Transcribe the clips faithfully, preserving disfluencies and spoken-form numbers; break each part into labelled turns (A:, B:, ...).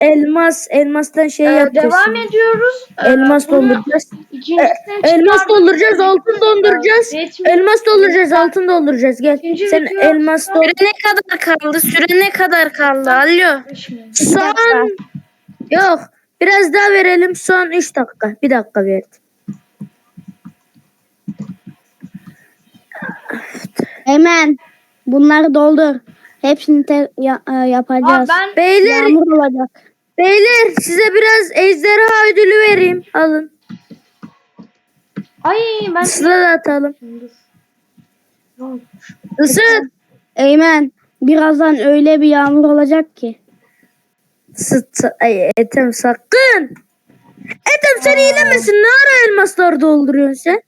A: elmas elmastan şey
B: Ee,
A: yapacağız.
B: devam
A: şimdi.
B: ediyoruz. Ee,
A: Elmas
B: bunu
A: dolduracağız.
B: ikincisini
A: Elmas
B: çıkardık.
A: dolduracağız, altın dolduracağız.
B: Yetmiyor.
A: Elmas dolduracağız, altın dolduracağız. Gel.
B: İkinci
A: Sen
B: video-
A: elmas doldur.
C: Süre ne kadar kaldı? Süre ne kadar kaldı? Alo.
A: Son yok. Biraz daha verelim. Son üç dakika. Bir dakika verdim.
D: Hemen bunları doldur. Hepsini te- ya- e,
B: Aa,
D: yapacağız.
B: ben
A: Beyler,
D: Yağmur olacak.
A: beyler size biraz ejderha ödülü vereyim. Alın.
B: ay ben
A: Sıra da atalım.
B: Ne olmuş?
A: Isır.
D: Eymen birazdan öyle bir yağmur olacak ki.
A: Sıt. Ay Ethem sakın. Ethem sen hilemesin. Ne ara elmasları dolduruyorsun sen?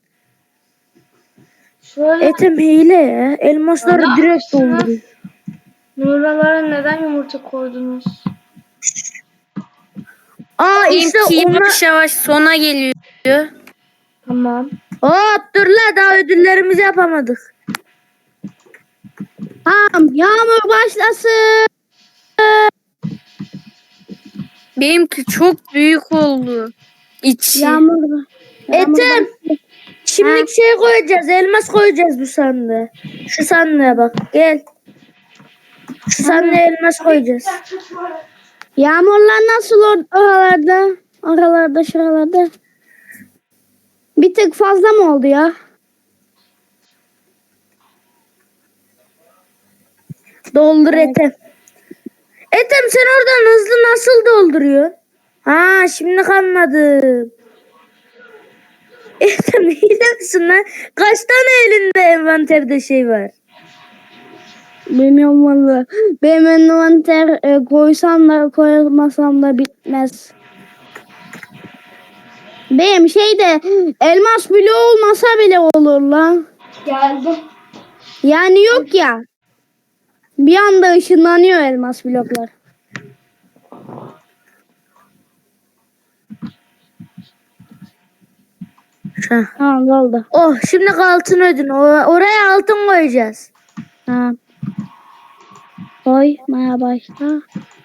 B: Şöyle
A: Ethem hile ya. Elmasları
B: Ya,
A: direkt
B: yapmışsın ha.
A: dolduruyor.
B: Nuralara neden yumurta koydunuz?
A: Aa işte
C: Benimki
A: onlar.
C: yavaş yavaş sona geliyor.
B: Tamam.
A: Hop dur la daha ödüllerimizi yapamadık.
D: Tamam yağmur başlasın.
C: Benimki çok büyük oldu. İçi.
D: Yağmur. yağmur
A: Ethem.
D: başlasın.
A: Şimdilik şey koyacağız. Elmas koyacağız bu sandığa. Şu sandığa bak. Gel. Şu sandığa elmas koyacağız.
D: Yağmurlar nasıl or- oralarda? Oralarda şuralarda. Bir tık fazla mı oldu ya?
A: Doldur Ethem. Ethem sen oradan hızlı nasıl dolduruyorsun? Ha şimdi anladım. Ethem hile misin lan? Kaç tane elinde envanterde şey var?
D: Bilmiyorum valla. Benim envanter e, koysam da koymasam da bitmez. Benim şeyde elmas bile olmasa bile olur lan.
B: Geldi.
D: Yani yok ya. Bir anda ışınlanıyor elmas bloklar.
A: Heh.
D: Tamam oldu.
A: Oh şimdi altın ödün. O- Oraya altın koyacağız.
D: Tamam. Koymaya başla.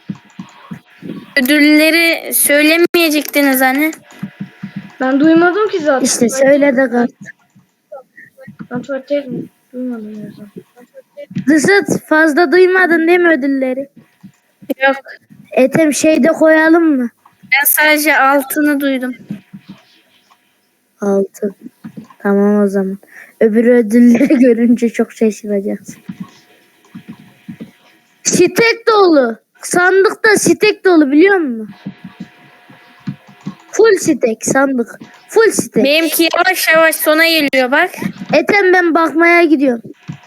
C: Ödülleri söylemeyecektiniz hani.
B: Ben duymadım ki zaten.
A: İşte söyle de kal.
B: Ben tuvaletteydim. Duymadım o yüzden.
A: Dısıt fazla duymadın değil mi ödülleri?
C: Yok.
A: Ethem şeyde koyalım mı?
C: Ben sadece altını duydum.
A: Altın. Tamam o zaman. Öbür ödülleri görünce çok şaşıracağız. Stek dolu. Sandıkta stek dolu biliyor musun? Full stek sandık. Full stek.
C: Benimki yavaş yavaş sona geliyor bak.
A: Ethem ben bakmaya gidiyorum.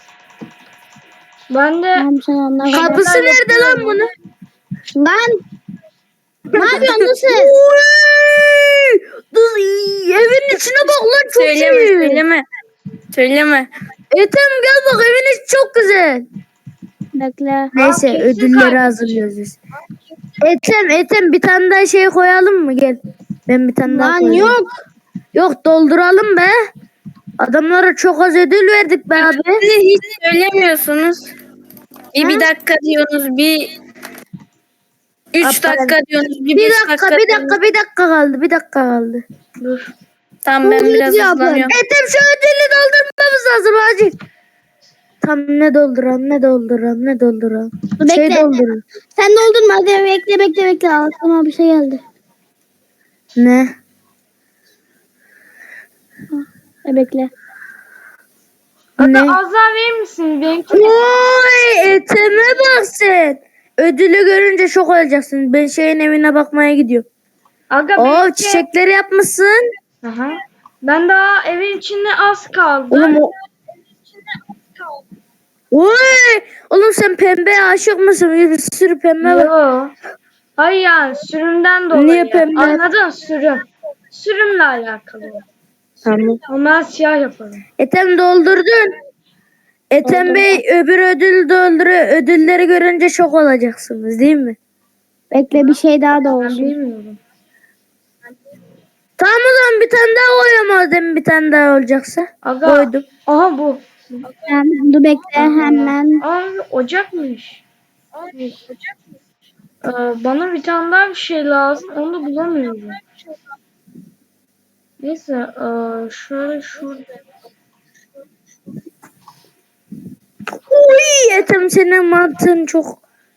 B: Ben de
D: Tamam sen onları.
A: Kapısı nerede lan bunun?
D: Lan. Ne yapıyorsun nasıl?
A: Oy! Dur, evin içine bak lan çok
C: Söyleme
A: iyi.
C: söyleme. Söyleme.
A: Ethem gel bak evin içi çok güzel.
D: Bekle.
A: Neyse
B: kesin
A: ödülleri
B: kaybettim.
A: hazırlıyoruz biz. Ethem Ethem bir tane daha şey koyalım mı gel. Ben bir tane daha
D: Lan
A: koyayım.
D: yok.
A: Yok dolduralım be. Adamlara çok az ödül verdik be abi.
C: Siz de hiç söylemiyorsunuz. Bir, bir dakika diyorsunuz. Bir üç
A: Aferin.
C: dakika diyorsunuz. Bir,
A: Bir
C: beş
A: dakika bir
C: diyorsunuz.
A: dakika bir dakika kaldı bir dakika kaldı.
B: dur.
C: Tamam ben
D: Bunu
C: biraz
D: yapın.
C: hızlanıyorum.
A: Ethem şu ödülü doldurmamız lazım acil. Tam ne dolduran ne dolduran ne dolduran.
D: Dur,
A: Şey
D: bekle.
A: dolduran.
D: Sen doldurma hadi bekle bekle bekle. Aklıma bir şey geldi.
A: Ne?
D: E, bekle.
A: Ne?
B: Aga az daha verir misin? Benimki
A: Oy Ethem'e bak sen. Ödülü görünce şok olacaksın. Ben şeyin evine bakmaya gidiyorum.
B: Aga
A: Oo
B: benimki.
A: çiçekleri yapmışsın.
B: Aha. Ben daha evin içinde az kaldı.
A: Oğlum o... Oy! Oğlum sen pembeye aşık mısın? Bir sürü pembe var.
B: Yo. Hayır yani sürümden dolayı.
A: Niye pembe?
B: Anladın sürüm. Sürümle alakalı.
A: Tamam.
B: Ondan siyah yaparım.
A: Ethem doldurdun. Ethem Bey öbür ödül dolduruyor. Ödülleri görünce şok olacaksınız değil mi?
D: Bekle bir şey daha da
B: Ben
D: olsun.
B: bilmiyorum.
A: Tamam o zaman bir tane daha koyuyorum madem bir tane daha olacaksa.
B: Aga.
A: Koydum.
B: Aha bu.
D: Hemen, dur bekle hemen.
B: Abi ocakmış. Abi ocakmış. Ee, bana bir tane daha bir şey lazım. Onu da bulamıyorum. Neyse. ee, şöyle şurada.
A: Uy Ethem senin mantığın çok.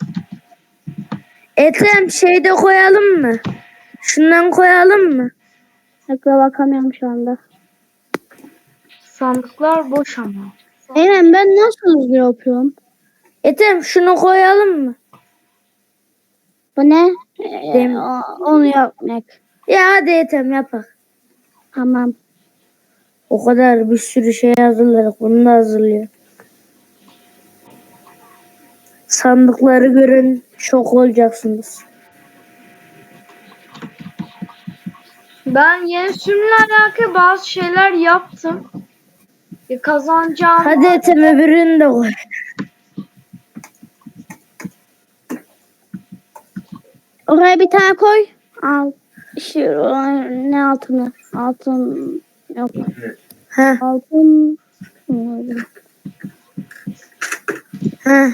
A: Ethem şeyde koyalım mı? Şundan koyalım mı?
D: Tekrar bakamıyorum şu anda.
B: Sandıklar boş ama.
D: Eymen ben nasıl hızlı yapıyorum?
A: Ethem şunu koyalım mı?
D: Bu ne? Ee,
A: Dem-
D: o- onu yapmak.
A: Ya hadi Ethem yapak.
D: Tamam.
A: O kadar bir sürü şey hazırladık. Bunu da hazırlıyor. Sandıkları görün şok olacaksınız.
B: Ben yeni sürümle alakalı bazı şeyler yaptım. E, kazanacağım.
A: Hadi Ethem öbürünü de koy.
D: Oraya bir tane koy. Al. Şu ne altını? Altın yok.
A: Ha
D: Altın.
A: ha.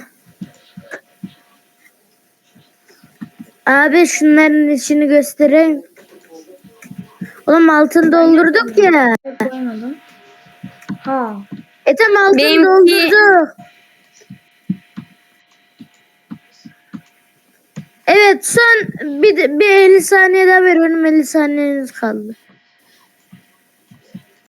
A: Abi şunların içini göstereyim. Oğlum altın doldurduk ya.
B: Koymadım. Ha.
A: Ethem altın
C: Benimki-
A: doldurduk. Evet son bir, bir elli saniye daha ver. Benim elli saniyeniz kaldı.